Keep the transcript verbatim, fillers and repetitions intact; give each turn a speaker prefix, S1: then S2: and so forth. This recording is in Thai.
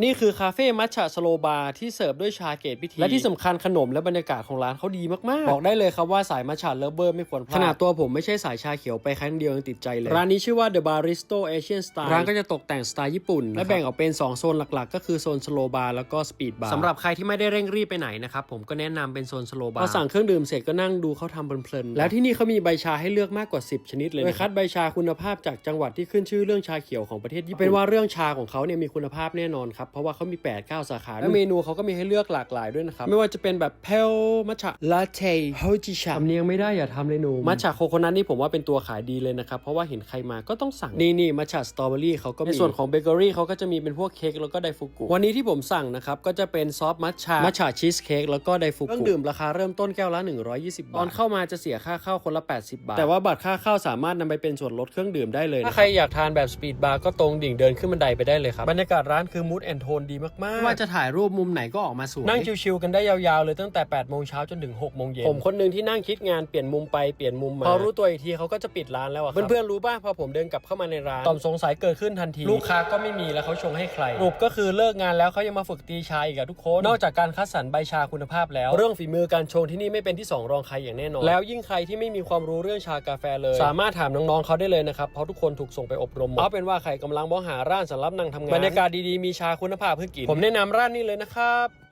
S1: นี่คือคาเฟ่มัทฉะสโลบาร์ที่เสิร์ฟด้วยชาเกตพิธีและที่สำคัญขนมและบรรยากาศของร้านเขาดีมากๆบอกได้เลยครับว่าสายมัทฉะเลิฟเวอร์ไม่ควรพลาดขนาดตัวผมไม่ใช่สายชาเขียวไปครั้งเดียวยังติดใจเลยร้านนี้ชื่อว่า The Baristo Asian Style ร้านก็จะตกแต่งสไตล์ญี่ปุ่นและแบ่งออกเป็นสองโซนหลักๆก็คือโซนสโลบาร์แล้วก็สปีดบาร์สำหรับใครที่ไม่ได้เร่งรีบไปไหนนะครับผมก็แนะนำเป็นโซนสโลบาร์พอสั่งเครื่องดื่มเสร็จก็นั่งดูเขาทำเพลินๆแล้วที่นี่เขามีใบชาให้เลือกมากกว่าสิบชนิดเลยโดยคัดใบชาคุณภาพจากจังหวัดที่ขึ้นชื่อเรื่องชาเขียวของประเทศญี่ปุ่นเป็นว่าเรื่องชาของเขาเนี่ยมีคุณภาพแน่นอนครับเพราะว่าเขามี แปด เก้า สาขาและเมนูเขาก็มีให้เลือกหลากหลายด้วยนะครับไม่ว่าจะเป็นแบบเพลมัทฉะลาเต้โฮจิชาทำเนียงไม่ได้อย่าทำเลยหนูมัทฉะโคโคนัทนี่ผมว่าเป็นตัวขายดีเลยนะครับเพราะว่าเห็นใครมาก็ต้องสั่งนี่นี่มัทฉะสตรอเบอรี่เขาก็มีในส่วนของเบเกอรี่เขาก็จะมีเป็นพวกเค้กแล้วก็ไดฟุกุวันนี้ที่ผมสั่งนะครับก็จะเป็นซอฟต์มัทฉะมัทฉะชีสเค้กแล้วก็ไดฟุกุเครื่องดื่มราคาเริ่มต้นแก้วละหนึ่งร้อยยี่สิบบาทตอนเข้ามาจะเสียค่าเข้าคนละแปดสิบบาทแต่ว่าบัตรค่าเข้าสามารถนำไปเป็นส่วนลดเครื่องดื่มได้เลยถ้าใครอยากทานแบบสปีดบาร์ก็ตรงดิ่งเดินขึ้นบันไดไปได้เลยครับบรรยากาศร้านคือมูดแอนโทนดีมากๆว่าจะถ่ายรูปมุมไหนก็ออกมาสวยนั่งชิลๆกันได้ยาวๆเลยตั้งแต่แปดโมงเช้าจนถึงหกโมงเย็นผมคนหนึ่งที่นั่งคิดงานเปลี่ยนมุมไปเปลี่ยนมุมมาพอรู้ตัวอีกทีเขาก็จะปิดร้านแล้วอะเพื่อนๆรู้ป่ะพอผมเดินกลับเข้ามาในร้านต่อมสงสัยเกิดขึ้นทันทีลูกค้าก็ไม่มีแล้วเขาชงให้ใครรูปก็คือเลิกงานแล้วเขายังมาฝึกตีชาอีกอะทุกคนนอกจากการคัดสรรใบชาคุณภาพแล้วเรื่องฝีมือการชงที่นี่ไม่เป็นที่สองรองใครอย่างแน่นอนแล้วยิ่งใครที่ไม่มีความรู้เรื่องชากาแฟเลยสามารถถามน้องๆเขาได้เลยนะครับเพราะทุกคนถูกส่งไปอบรมเอาเป็นว่าใครกำลังมองหาร้านสำหรับนั่งทำงานบรรยากาศดีๆมีชาคุณภาพเพื่อกินผมแนะนำร้านนี้เลยนะครับ